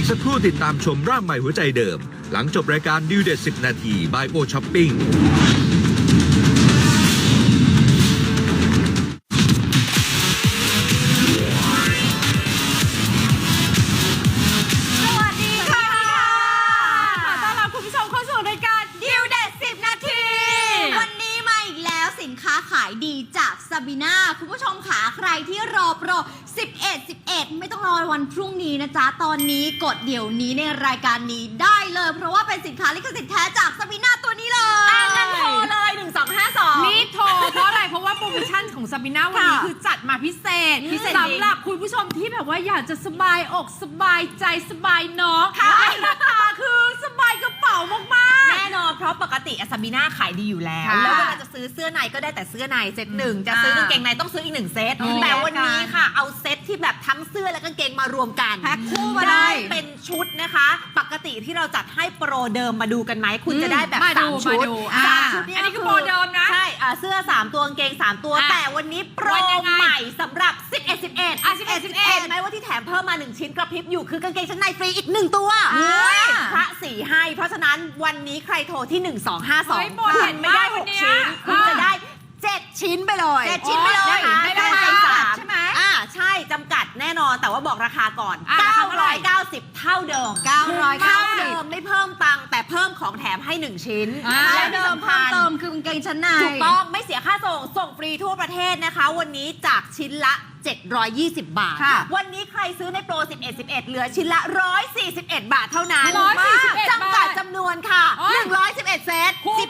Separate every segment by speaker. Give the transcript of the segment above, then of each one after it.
Speaker 1: กสักครู่ติดตามชมร่างใหม่หัวใจเดิมหลังจบรายการดิวเด็ด10 นาทีบายโอช้อปปิ้ง
Speaker 2: ดีจากซาบีน่าคุณผู้ชมขาใครที่รอโปร11ไม่ต้องรอวันพรุ่งนี้นะจ๊ะตอนนี้กดเดี๋ยวนี้ในรายการนี้ได้เลยเพราะว่าเป็นสินค้าลิขสิทธิ์แท้จากซาบีน่าตัวนี้เลย
Speaker 3: งั้นโทรเลย1252
Speaker 4: รีบโทรเพราะอะไรเพราะว่าโปรโมชั่นของซาบีน่าวันนี้คือจัดมาพิเศษสำหรับคุณผู้ชมที่แบบว่าอยากจะสบายอกสบายใจสบายน้องราคาคือสบายกระเป๋ามาก
Speaker 3: ๆแน่นอนเพราะปกติซาบีน่าขายดีอยู่แล้วแล้วเวลาจะซื้อเสื้อในก็ได้แต่เสื้อในเซตหนึ่งจะซื้อกางเกงในต้องซื้ออีก1เซตแต่วันนี้ค่ะเอาเซตที่แบบทั้งเสื้อและกางเกงมารวมกัน
Speaker 2: แพ็คคู่มา
Speaker 3: ได้เป็นชุดนะคะปกติที่เราจัดให้โปรเดิมมาดูกันไหมคุณจะได้แบบ3 ชุดชุดนี้
Speaker 4: อันนี้คือโปรเดิมนะ
Speaker 3: ใช่เสื้อ3 ตัวกางเกง3 ตัวแต่วันนี้โปรใหม่สำหรับ11ไหมว่าที่แถมเพิ่มมา1ชิ้นกระพริบอยู่คือกางเกงชั้นในฟรีอีก1ตัวพระสีให้เพราะฉะนั้นวันนี้ใครโทรที่1252คุณไม่ได้6ชิ้นคุณจะได้7 ชิ้นไปเลย
Speaker 2: 7 ชิ้นไปเลย
Speaker 3: นะคะ
Speaker 2: ไม่ได้
Speaker 3: ใช่ไหมใช่จำกัดแน่นอนแต่ว่าบอกราคาก่อน990เท่าเดิม990เดิมไม่เพิ่มตังค์แต่เพิ่มของแถมให้1ชิ้น
Speaker 2: และเดิมเพิ่มเติมคือกางเกงชั้นใน
Speaker 3: ถูกต้องไม่เสียค่าส่งฟรีทั่วประเทศนะคะวันนี้จากชิ้นละ720 บาทวันนี้ใครซื้อในโปร11เหลือชิ้นละ141 บาทเท่านั้นจำกัดจำนวนค่ะ111เซต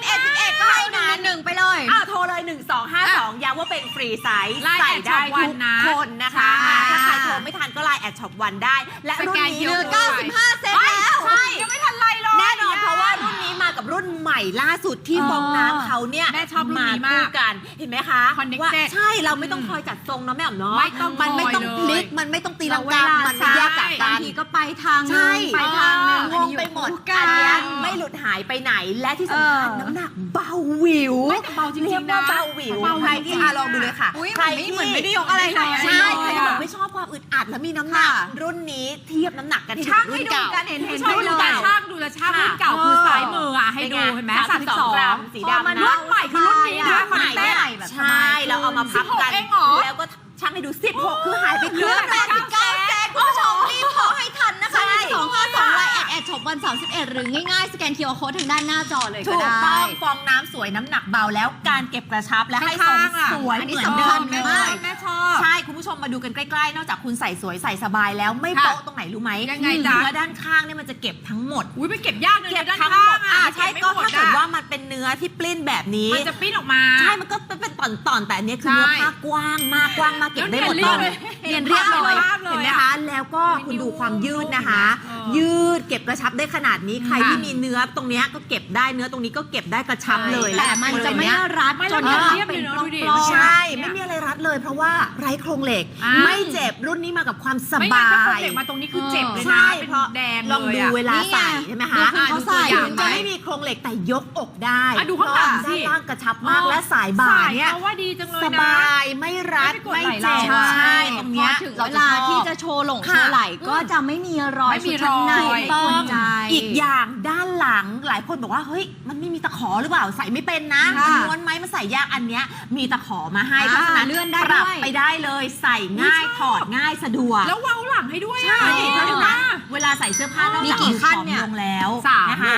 Speaker 3: 11ก็ให้1ไปเลยโทรเลย1252ย้ำว่าเป็นฟรีไซส์ใส่ได้ทุกคนนะคะถ้าใครโทรไม่ทันก็ไลน์แอดช็อปวันได้และรุ่นนี้
Speaker 2: เหลือ95เซตแล้ว
Speaker 3: ยังไม่ทันไรเลยแน่นอนเพราะว่ารุ่นนี้มากับรุ่นใหม่ล่าสุดที่ฟองน้ำเขาเนี่ย
Speaker 4: แม่ชอบรุ่นนี้มาก
Speaker 3: กันเห็นไหมคะว่าใช่เราไม่ต้องคอยจัดทรงเนาะแม่อ๋อมเนาะมันไม่ต้องพลิกมันไม่ต้องตีลังกามันแยกจากกัน
Speaker 2: บางทีก็ไปทางนึงไปทางนึง
Speaker 3: งงไปหมดอันนี้ไม่หลุดหายไปไหนและที่สำคัญน้ำหนักเบาวิว
Speaker 4: เบาจริงๆนะ
Speaker 3: เบาวิวใครที่ลองดูเลยค่ะ
Speaker 2: ใครที่เหมือนไม่ได้ยกอะไรเลย
Speaker 3: ใช่ใครที่บอกไม่ชอบความอึดอัดแล้วมีน้ำหนักรุ่นนี้เทียบน้ำหนักกัน
Speaker 2: ช่างให้ดูกันเห็น
Speaker 4: ดูแต่ช่างดูแลช่างรุ่นเก่าคือซ้ายมือให้ดูเห็นไหม
Speaker 3: 32 กรัมสีดำนะ
Speaker 4: รุ่นใหม่คือรุ่นนี้นะ
Speaker 3: ใช่เราเอามาพับกันแล้วก็ช่างให้ดู16คือหายไปเกือบ
Speaker 2: 89เซตคุณผู้ชมรีบโทรให้ทันนะคะ1252ไลน์แอดช็อปวัน31หรือง่ายๆสแกน QR Code ทางด้านหน้าจอเลยก็ได้
Speaker 3: ถูกต้องฟองน้ำสวยน้ำหนักเบาแล้วการเก็บกระชับและให้ทรงสวยเหมือนเดิมเลย
Speaker 4: แม่ชอบ
Speaker 3: ใช่คุณผู้ชมมาดูกันใกล้ๆนอกจากคุณใส่สวยใส่สบายแล้วไม่โป๊ะตรงไหนรู้ไหม
Speaker 4: ยังไงจ๊ะ
Speaker 3: เนื้อด้านข้างเนี่ยมันจะเก็บทั้งหมด
Speaker 4: ไม่เก็บยากเลย
Speaker 3: ด้านข้างใช่ก็ถ้าเกิดว่ามันเป็นเนื้อที่ปลิ้นแบบนี้
Speaker 4: มันจะปลิ้นออกมา
Speaker 3: ใช่มันก็เป็นตอนแต่อันนี้คือเนื้อผ้ากว้างมากเก็บได้หมดเลยเรียนเรียบเลยเห็นไหมคะแล้วก็คุณดูความยืดนะคะยืดเก็บกระชับได้ขนาดนี้ใครที่มีเนื้อตรงนี้ก็เก็บได้เนื้อตรงนี้ก็เก็บได้กระชับเลย
Speaker 2: แต่มันจะไม่รัดจน
Speaker 4: เป็น
Speaker 3: ใช่ไม่มีอะไรรัดเลยเพราะว่าไร้โครงเหล็กไม่เจ็บรุ่นนี้มากับความสบาย
Speaker 4: ไม่โครงเหล็กมาตรงนี้คือเจ็บเลยนะเป็นแดง
Speaker 3: ลองดูเวลาใส่ใช่ไหมคะ
Speaker 2: เขาใส่
Speaker 3: จะไม่มีโครงเหล็กแต่ยกอกได้
Speaker 4: ดูข้างหลังสิ
Speaker 3: ด้านล่างกระชับมากและสายบ่าเนี่ย
Speaker 4: ว่าดีจังเลยนะ
Speaker 3: สบายไม่รัดไม่เจ็บใช่ตรงนี้
Speaker 2: ถึงเวลาที่จะโชว์หลงโชว์ไหล่ก็จะไม่มีรอยชุดชั้นใน
Speaker 3: ต้องอีกอย่างด้านหลังหลายคนบอกว่าเฮ้ยมันไม่มีตะขอหรือเปล่าใส่ไม่เป็นนะม้วนไหมมันใส่ยากอันเนี้ยมีตะขอมาให้เพราะฉะนั้น
Speaker 2: เลื่อนได้
Speaker 3: ปรับไปได้เลยใส่ง่ายถอดง่ายสะดวก
Speaker 4: แล้วเว้าหลังให้ด้วย
Speaker 3: ใช่เพราะฉะนั้นเวลาใส่เสื้อผ้านอกจากผอมลงแล้วนะคะ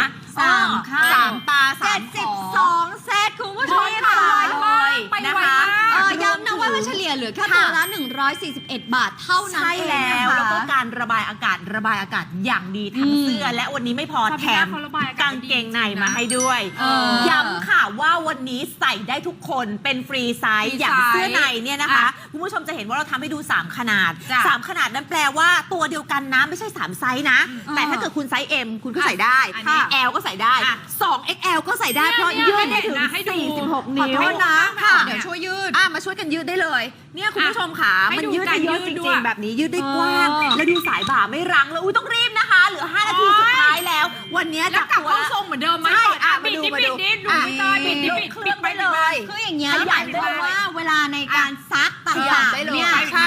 Speaker 3: 3 ตา
Speaker 2: 72เซตคุณผู้ชมค่ะ
Speaker 3: ไปนะคะ
Speaker 2: ย้ำนะว่ามันเฉลี่ยเหลือแค่ตัวละ141 บาทเท่านั้น
Speaker 3: ใช่แล้วแล้วก็การระบายอากาศอย่างดีทั้งเสื้อและวันนี้ไม่พอแถมกางเกงในมาให้ด้วยย้ำค่ะว่าวันนี้ใส่ได้ทุกคนเป็นฟรีไซส์อย่างเสื้อในเนี่ยนะคะคุณผู้ชมจะเห็นว่าเราทำให้ดู3 ขนาด3 ขนาดนั้นแปลว่าตัวเดียวกันนะไม่ใช่3 ไซส์นะแต่ถ้าเกิดคุณไซส์ M คุณก็ใส่ได้ L ก็ใส่ได้2XL ก็ใส่ได้เพราะยืดได้ถึง46 นิ้ว
Speaker 2: นะเดี๋ยวช่วยยืด
Speaker 3: มาช่วยกันยืดได้เลยเนี่ยคุณผู้ชมค่ะมันยืดได้เยอะจริงๆแบบนี้ยืดได้กว้างแล้วดูสายบ่าไม่รั้งแล้วต้องรีบนะคะเหลือ5 นาทีสุดท้ายแล้ววันนี้
Speaker 4: จะกลับเข้าทรงเหมือนเดิมไหม
Speaker 3: มาดู
Speaker 4: ปิดดูปิด
Speaker 3: ไปเลย
Speaker 2: คืออย่างเงี้ยหมายความว่าเวลาในการซักต่างๆเนี่ยใช่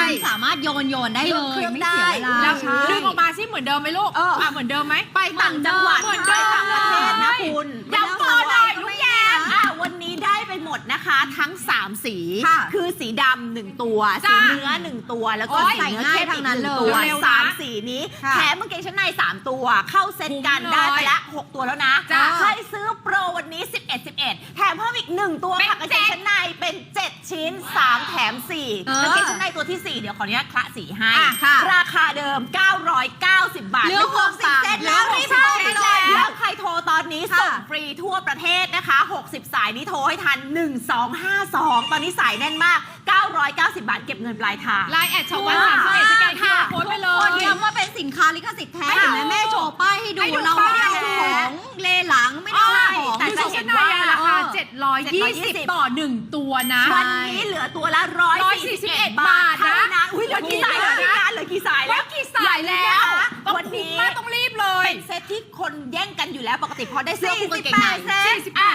Speaker 2: คุณสามารถโยนได้เลยไม่เสียเวลา
Speaker 4: แล้ว
Speaker 2: ใช่
Speaker 4: ดึงออกมาสิเหมือนเดิมไหมลูกเหมือนเดิมไหม
Speaker 3: ไปต่างจังหวัด
Speaker 4: เหมือน
Speaker 3: ไป
Speaker 4: เดิม
Speaker 3: ต่างประเทศนะคุณ
Speaker 4: ย้ำต่อหน่อยลูกแยม
Speaker 3: วันนี้ได้ไปหมดนะคะทั้ง 3 สี
Speaker 2: ค่ะ
Speaker 3: คือสีดำ1 ตัว
Speaker 4: จ้า
Speaker 3: สีเนื้อ1 ตัว แล้วก็
Speaker 2: โอ้ย
Speaker 3: สีเนื้อเข้ม
Speaker 2: ใส่ง่ายทั้
Speaker 3: อี
Speaker 2: ง
Speaker 3: ก
Speaker 2: นั้น
Speaker 3: 1
Speaker 2: เลย
Speaker 3: ตัว
Speaker 4: เร็วๆนะ
Speaker 3: 3 สีนี้
Speaker 2: ค่ะ
Speaker 3: แถมกางเกงชั้นใน3 ตัว เข้าเซ็ตกัน
Speaker 4: คุ้ม
Speaker 3: ได้ไป
Speaker 4: เลย
Speaker 3: ละ 6 ตัวแล้วนะ
Speaker 4: จ้า
Speaker 3: ใครซื้อโปรวันนี้ 11 แถมเพิ่มอีก 1 ตัว
Speaker 4: เป็น
Speaker 3: ค่ะกางเกงชั้นในเป็น 7 ชิ้น 3 แถม 4กางเกงชั้นในตัวที่ 4 เดี๋ยวขออนุญาตคละสีให้
Speaker 2: ค่ะ
Speaker 3: ราคาเดิม 990 บาท
Speaker 2: เหลือ
Speaker 3: ไม่พิ่ม
Speaker 2: 60เซตแล้ว
Speaker 3: หลือ
Speaker 2: รีบ
Speaker 3: 60
Speaker 2: โทรไปเลย
Speaker 3: แล้วใครโทรตอนนี้
Speaker 2: ค่ะ
Speaker 3: ส่งฟรีทั่วประเทศนะคะ 60 สายนี้โทรให้ทัน 1252 ตอนนี้สายแน่นมาก 990 บาทเก็บเงินปลายทาง
Speaker 4: ไลน์แอดช็อปวัน31สแกน QR โค้ดไปเล
Speaker 2: คน
Speaker 4: ย
Speaker 2: ย้ำว่าเป็นสินค้าลิขสิทธิ์แท้
Speaker 3: ค่ะ
Speaker 2: เห็นไหมแม่โชว์ป้ายให้ดู
Speaker 4: ให้ดู
Speaker 2: เราไม่ได้
Speaker 4: ป้าย
Speaker 2: เอาของเลหลังไม่ได้เอาของ
Speaker 3: แต่
Speaker 4: คือ
Speaker 3: จะ
Speaker 4: ชุด
Speaker 3: เห็
Speaker 4: ชั้
Speaker 3: น
Speaker 4: นใน
Speaker 3: ว่า
Speaker 4: อะราคา
Speaker 3: 720
Speaker 4: 720 ต่อ 1 ตัวนะ
Speaker 3: วันนี้เหลือตัวละ 141 บาท
Speaker 4: นะ
Speaker 3: เท่านั้นอุ้ยเหลือกี่สายแล้วนะเหลือกี่สายแล้ว
Speaker 4: กี่สายแล้ว
Speaker 3: วัน
Speaker 4: วัน
Speaker 3: นี้
Speaker 4: นี้ต้องรีบเลย
Speaker 3: เป็นเซตที่คนแย่งกันอยู่แล้วปกติพอได้เสื้อคู่กางเกงใน
Speaker 2: 48เซต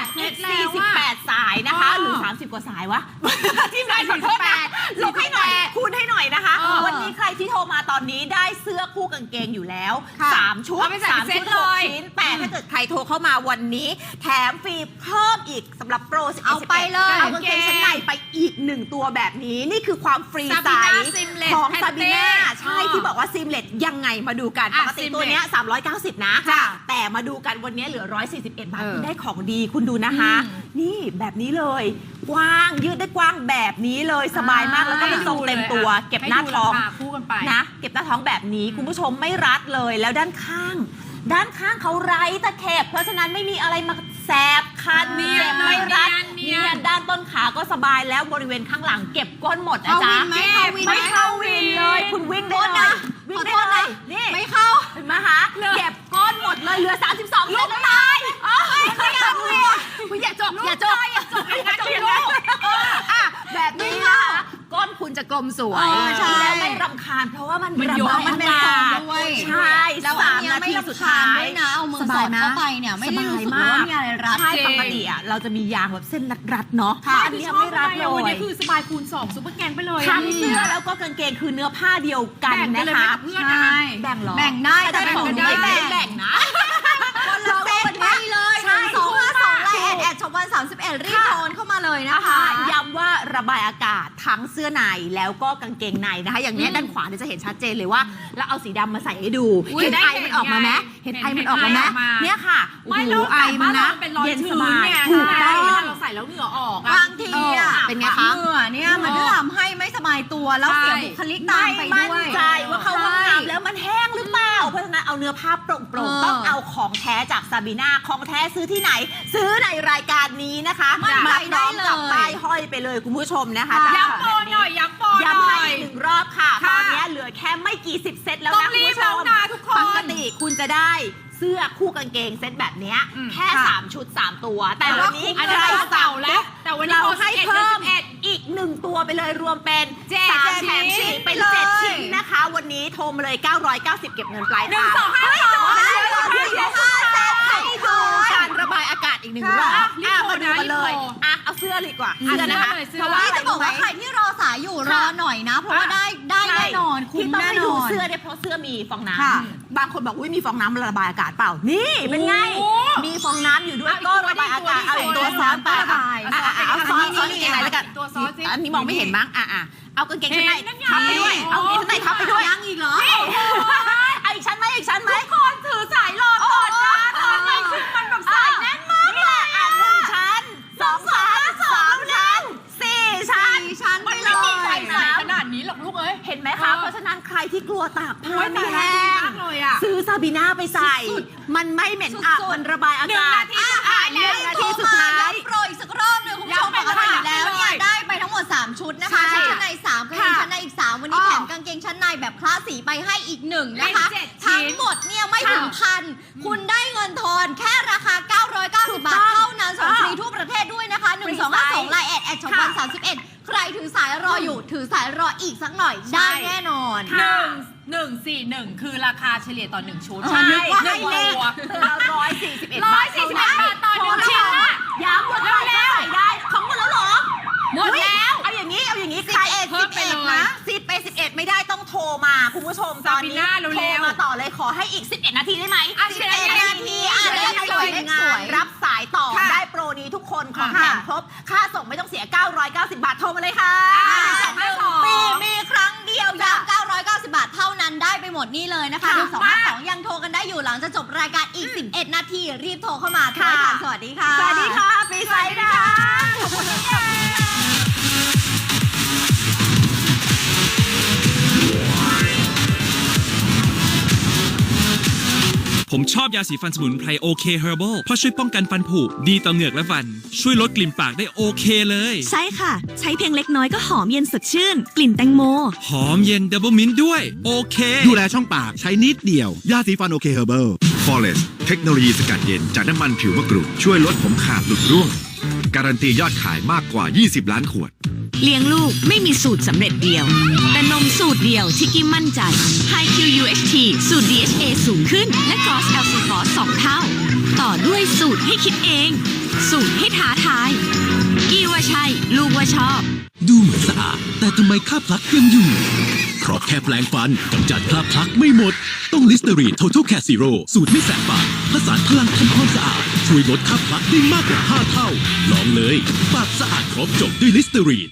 Speaker 3: 48 สายนะคะ หรือ 30 กว่าสายวะ ที่ไหนขอโทษนะลบให้หน่อย คูณให้หน่อยนะคะ วันนี้ใครที่โทรมาตอนนี้ได้เสื้อคู่กางเกงอยู่แล้ว
Speaker 2: ค่ะ
Speaker 3: 3 ชุด
Speaker 4: เอาไปใส่
Speaker 3: 3
Speaker 4: เซ
Speaker 3: ชุ
Speaker 4: ต
Speaker 3: ด
Speaker 4: เลย
Speaker 3: 6 ชิ้น แต่ถ้าเกิดใครโทรเข้ามาวันนี้ แถมฟรีเพิ่มอีกสำหรับโปร11
Speaker 2: เอาไปเลย
Speaker 3: เอากางเกงชั้นในไปอีก 1 ตัวแบบนี้ นี่คือความฟรีไซ
Speaker 4: Sabina
Speaker 3: ส์
Speaker 4: Seamless
Speaker 3: ของ
Speaker 4: Pante
Speaker 3: ซาบีน่าใช่ที่บอกว่าซิมเลตยังไงมาดูกันป
Speaker 4: อ่ะ
Speaker 3: กติตัวเนี้ย390 นะ
Speaker 4: จ้ะ
Speaker 3: แต่มาดูกันวันนี้เหลือ 141 บาท
Speaker 4: เออ
Speaker 3: คุณได้ของดีคุณดูนะคะ นี่แบบนี้เลย กว้างยืดได้กว้างแบบนี้เลยสบายมากแล้วก็เป็นทรงเต็มตัว เก็บหน้าท้อง
Speaker 4: ให้ดูรคคู่กันไป
Speaker 3: นะเก็บหน้าท้องแบบนี้คุณผู้ชมไม่รัดเลยแล้วด้านข้างเขาไร้ตะเข็บเพราะฉะนั้นไม่มีอะไรมาแสบคัน
Speaker 4: เนียน
Speaker 3: เจ็บไม่รัด
Speaker 4: เนียน
Speaker 3: ด้านต้นขาก็สบายแล้วบริเวณข้างหลังเก็บก้นหมดนะ
Speaker 2: เข้า
Speaker 3: จ๊ะ
Speaker 2: วินไหมเข้าวินไหม
Speaker 3: ไม่เข้าวินเลย คุณวิ่งได้เลย วิ่ง
Speaker 2: ขอ
Speaker 3: ได้
Speaker 2: โทษ
Speaker 3: เล
Speaker 2: นะ
Speaker 3: ยนี่
Speaker 2: ไม่เข้า
Speaker 3: เห็นไหมคะเก็บก้นหมดเลยเหลือ 32 เซนแล้วตายไม่เอาคุณอย่าจบอย่าจบลูกแบบนี้นะคะก้นคุณจะกลมสวย
Speaker 2: ใช่
Speaker 3: แล้วไม่รำคาญเพราะว่ามัน
Speaker 4: มัน
Speaker 3: ระ
Speaker 4: ยก
Speaker 3: บาย
Speaker 2: มันเป็น
Speaker 3: อา
Speaker 2: ฟอง
Speaker 3: กาศ
Speaker 2: ด้วย
Speaker 3: ใช่
Speaker 2: แล้วอัน
Speaker 3: 3
Speaker 2: เนี้ย
Speaker 3: นา
Speaker 2: ไม่
Speaker 3: ที
Speaker 2: รำ
Speaker 3: สุด
Speaker 2: คา
Speaker 3: ท้า
Speaker 2: ญ
Speaker 3: ย
Speaker 2: ด้วยนะเอามือ
Speaker 3: ส
Speaker 2: ส
Speaker 3: บา
Speaker 2: อย ด
Speaker 3: นะ
Speaker 2: เข้าไปเนี่ยไม่ได้รู้สึก
Speaker 3: สบาย
Speaker 2: ว่ามีอะไรรัด
Speaker 3: ใช่ปกติอ่ะเราจะมียางแบบเส้นรัดๆเนาะ
Speaker 2: ค่ะ
Speaker 3: อันเนี้ยไม่รัดเล
Speaker 4: วัน
Speaker 3: ย
Speaker 4: นี้คือสบายคูณ2ซุปเปอร์แกนไปเลย
Speaker 3: ทั้งเสื้อแล้วก็กางเกงคือเนื้อผ้าเดียวกัน
Speaker 4: แบ่งกั
Speaker 3: นะ
Speaker 4: นเลย
Speaker 3: คะ
Speaker 4: กับเพื่อนนะ
Speaker 2: ใช่
Speaker 3: แบ่งเหรอ
Speaker 2: แบ่งได้แต่
Speaker 3: แบ่ง
Speaker 2: ของ
Speaker 3: ได้
Speaker 2: ไม่แบ่ง
Speaker 3: แบ่งนะ
Speaker 2: คนละเซตไปเลย
Speaker 3: ใช่
Speaker 2: 1252ไลน์แอดช็อปวัน31รีบโอนเข้ามาเลยนะคะ
Speaker 3: ย้ำว่าระบายอากาศทั้งเสื้อในแล้วก็กางเกงในนะคะ อย่างเนี้ยด้านขวาเนี่ยจะเห็นชัดเจนเลยว่าแล้วเอาสีดำมาใส่ให้ดู
Speaker 4: อุ๊ย
Speaker 3: เห็น
Speaker 4: ได้
Speaker 3: ไอ
Speaker 4: เห็น
Speaker 3: มันออกมาไหม
Speaker 4: ไง
Speaker 3: เห็นไอมันออกมาไหม
Speaker 4: เห็นไอออกมา
Speaker 3: เนี่ยค่ะ
Speaker 4: ไม่
Speaker 3: โอ้
Speaker 4: แล้ว
Speaker 3: โหไอมันนะ
Speaker 4: เป็นรอย
Speaker 3: เย็น
Speaker 4: ชื้
Speaker 3: ส
Speaker 4: น
Speaker 3: บาย
Speaker 4: เนี่ย
Speaker 3: ถูกต้อง
Speaker 4: เวลาเราใส่แล้วเหงื่อออกอะ
Speaker 2: บางทีอ่ะ
Speaker 3: เป็นไงคะ
Speaker 2: เหงื่อเนี่ยมันจะทำให้ไม่สบายตัวแล้วเสียบุคลิกตามไป
Speaker 3: ไม่
Speaker 2: ด้ว
Speaker 3: มั่
Speaker 2: ย
Speaker 3: นใจว่าเข้าห้องน้ำแล้วมันแห้งหรือเปล่า เพราะฉะนั้นเอาเนื้อผ้าโปร่ง
Speaker 2: เออ
Speaker 3: ๆต้องเอาของแท้จากซาบีน่าของแท้ซื้อที่ไหน ซื้อในรายการนี้นะคะ
Speaker 2: มั่นใจ
Speaker 3: มาพร้อมกับ
Speaker 2: ได้เลย
Speaker 3: ป้ายห้อยไปเลยคุณผู้ชมนะคะ
Speaker 2: ค่ะ
Speaker 3: ตาม
Speaker 4: ย้ำโปรหน่อยย้ำโปรหน่
Speaker 3: ย้ำให้
Speaker 4: อย
Speaker 3: อีกหนึ่งรอบค่ะ ต
Speaker 4: ค่ะ
Speaker 3: อนนี้เหลือแค่ไม่กี่สิบเซตแล้ว
Speaker 4: ต้อ
Speaker 3: นะ
Speaker 4: ง
Speaker 3: คุณ
Speaker 4: รีบ
Speaker 3: ผู้ช
Speaker 4: แล้ว
Speaker 3: ม
Speaker 4: นะทุกคน
Speaker 3: ปกติคุณจะได้เสื้อคู่กางเกงเซตแบบเนี้ย
Speaker 4: อืม
Speaker 3: แค่
Speaker 2: ค่ะ
Speaker 3: 3 ชุด 3 ตัว แต่
Speaker 2: แต่
Speaker 3: วั
Speaker 2: ว่าน
Speaker 3: นี้
Speaker 2: คุ้ม
Speaker 3: ใคร
Speaker 2: เลย
Speaker 3: สั่ง
Speaker 4: แล้วแต่วันนี้
Speaker 3: เราให้
Speaker 4: 11
Speaker 3: เพิ่ม
Speaker 4: 11
Speaker 3: อีก 1 ตัวไปเลยรวมเป็น
Speaker 4: เจ็ด
Speaker 3: 3 แถม
Speaker 4: ชิ้น
Speaker 3: 4เป็น
Speaker 2: เลย
Speaker 3: 7 ชิ้นนะคะ วันนี้โทรมาเลย 990 เก็บเงินปลาย
Speaker 4: หนึ่ง
Speaker 3: ทาง
Speaker 4: สองห้าสอง
Speaker 3: ให้ดูการระบายอากาศอีกหนึ่งรอบ
Speaker 2: ค่ะ
Speaker 3: มาดูกันเลย
Speaker 4: รีบโทร
Speaker 3: เอาเสื้อดีกว่า
Speaker 4: อ่ะ
Speaker 3: เสื้อนะคะ
Speaker 4: เสื้อเลย
Speaker 3: เพราะว่า
Speaker 2: นี่จะบอกว่าใครที่รอสายอยู่รอหน่อยนะ เพราะว่าได้แน่นอนคุ้
Speaker 3: ที่
Speaker 2: ม
Speaker 3: ต้อง
Speaker 2: แน่
Speaker 3: ให้
Speaker 2: น
Speaker 3: ดู
Speaker 2: อน
Speaker 3: เสื้อเนี่ยเพราะเสื้อมีฟองน้
Speaker 2: ค่ะ
Speaker 3: ำบางคนบอกอุ้ยมีฟองน้ำระบายอากาศเปล่า นี่เป็นไง
Speaker 4: โอ้
Speaker 3: มีฟองน้ำอยู่ด้วย
Speaker 4: เอาอีก
Speaker 3: ก็
Speaker 4: ตัว
Speaker 3: ระบายอากาศ
Speaker 4: ดิ
Speaker 3: เอาอีกตัวซ้อนไป
Speaker 2: ระบาย
Speaker 3: เอาซ้อน
Speaker 2: อันนี้
Speaker 3: ซ้อนกางเกงในแล้วกัน
Speaker 4: ตัวซ้อนสิ
Speaker 3: อันนี้มองไม่เห็นมั้งเอากางเกงชั้นใน
Speaker 4: เห็นนั่นไง
Speaker 3: ทับไปด้วยเอากางเกงชั้นในทับไปด้วย
Speaker 2: ยังอีกเหรอ
Speaker 3: เอาอีกชั้นไหมอีกชั้นไหม
Speaker 4: คนถือสายรอก่อนนะทำไมคือมันแบบสายแน่นมาก
Speaker 3: นี่แหละหนึ่งชั้น2 ชั้น3 ชั้น 4 ชั้น
Speaker 2: ชั้นไป
Speaker 4: มัน
Speaker 2: เล
Speaker 4: ไม่มีใคร
Speaker 2: ย
Speaker 4: ใส่ขนาดนี้หรอกลูกเอ้ย
Speaker 3: เห็นไหมคะ เพราะฉะนั้นใครที่กลัวตากผ้า
Speaker 4: โอ้ย
Speaker 3: ไม่
Speaker 4: ตาย
Speaker 3: แห้
Speaker 4: แล้วดี
Speaker 3: ง
Speaker 4: มากเลยอะ
Speaker 3: ซื้อซาบีน่าไปใส่ มันไม่เหม็นอับ
Speaker 2: สุดๆ
Speaker 3: มันระบายอากาศ
Speaker 4: 1 นาทีสุดท้ายแล้ว
Speaker 3: 1 นาทีสุดท้าย
Speaker 2: โปรอีกสักรอบหนึ่งคุณผู้ชม
Speaker 4: ย้ำ
Speaker 2: ป
Speaker 4: ไป
Speaker 2: กติแล้ว
Speaker 4: เลย
Speaker 2: เนี่ยได้ไปทั้งหมด 3 ชุดนะคะ
Speaker 3: ใช่
Speaker 2: ชุดชั้นใน3กางเกงชั้นในอีก 3 วันนี้แถมกางเกงชั้นในแบบคลาสสีไปให้อีก 1 นะคะ
Speaker 4: เป็น7ชิ้น
Speaker 2: ทั้งหมดเนี่ยไม่ถึงพันคุณได้เงินทอนแค่ราคา 990 บาทเท่านั้นส่งฟรีทั่วประเทศด้วยนะคะ 1252ไลน์แอดช็อปวัน31 ใครถือสายรออยู่ถือสายรออีกสักหน่อยได้แน่นอน
Speaker 4: 141 คือราคาเฉลี่ยต่อ 1 ชุด
Speaker 3: ใช่
Speaker 4: นึกว่า
Speaker 3: ให้
Speaker 4: ให้
Speaker 3: เล
Speaker 4: เล
Speaker 3: ข
Speaker 4: ข
Speaker 3: ตัว141 บาท
Speaker 4: 141 บาทต่อหนึ่งชิ้นอะ
Speaker 3: ย้ำว่าใครก็ใส่ได้ของหมดแล้วเหรอ
Speaker 4: หมดแล้ว
Speaker 3: เอาอย่างนี้
Speaker 2: 11
Speaker 3: ใคร
Speaker 4: เพิ่มไปเลย
Speaker 3: 11นะ10ไป11 ผู้ชมตอนนี้
Speaker 4: ซาบิน่าเร็วๆ
Speaker 3: โทรมาต่อเลยขอให้อีก 11 นาทีได้ไหม
Speaker 4: 11
Speaker 3: นาทีเลขสวยงามรับสายต่อได้โปรนี้ทุกคนของแถมครบค่าส่งไม่ต้องเสีย 990 บาทโทรมาเลยค่ะ
Speaker 2: มีครั้งเดียวย้ำ990 บาทเท่านั้นได้ไปหมดนี่เลยนะคะ
Speaker 3: ค่ะ
Speaker 2: 1252ยังโทรกันได้อยู่หลังจะจบรายการอีก 11 นาทีรีบโทรเข้ามาโทรให้ทันสวัสดีค่ะ
Speaker 3: สวัสดีค่ะฟรีไซด์นะคะขอบคุณค่ะ
Speaker 5: ผมชอบยาสีฟันสมุนไพรโอเคเฮอร์เบิลเพราะช่วยป้องกันฟันผุดีต่อเหงือกและฟัน ช่วยลดกลิ่นปากได้โอเคเลย
Speaker 6: ใช่ค่ะ ใช้เพียงเล็กน้อยก็หอมเย็นสดชื่น กลิ่นแตงโม
Speaker 5: หอมเย็นดับเบิลมินต์ด้วย โอเค
Speaker 7: ดูแลช่องปากใช้นิดเดียว ยาสีฟันโอเคเฮอร์เบิล
Speaker 1: Forest เทคโนโลยีสกัดเย็นจากน้ำมันผิวมะกรูดช่วยลดผมขาดหลุดร่วง การันตียอดขายมากกว่า 20 ล้านขวด
Speaker 6: เลี้ยงลูกไม่มีสูตรสำเร็จเดียว แต่นมสูตรเดียวที่กิ๊มมั่นใจ High QUHT สูตร DHA สูงขึ้น และ Gross LC Force 2 เท่า ต่อด้วยสูตรให้คิดเอง สูตรให้ท้าทายกี้ว่าใช่ ลูกว่าชอบ
Speaker 8: ดูเหมือนสะอาดแต่ทำไมคราบพลักยังอยู่ เพราะแค่แปรงฟันกำจัดคราบพลักไม่หมด ต้องลิสเตอรีน Total Care Zero สูตรไม่แสบปากผสานพลังทำความสะอาด ช่วยลดคราบพลักได้มากกว่า 5 เท่า ลองเลยปากสะอาดครบจบด้วยลิสเตอรีน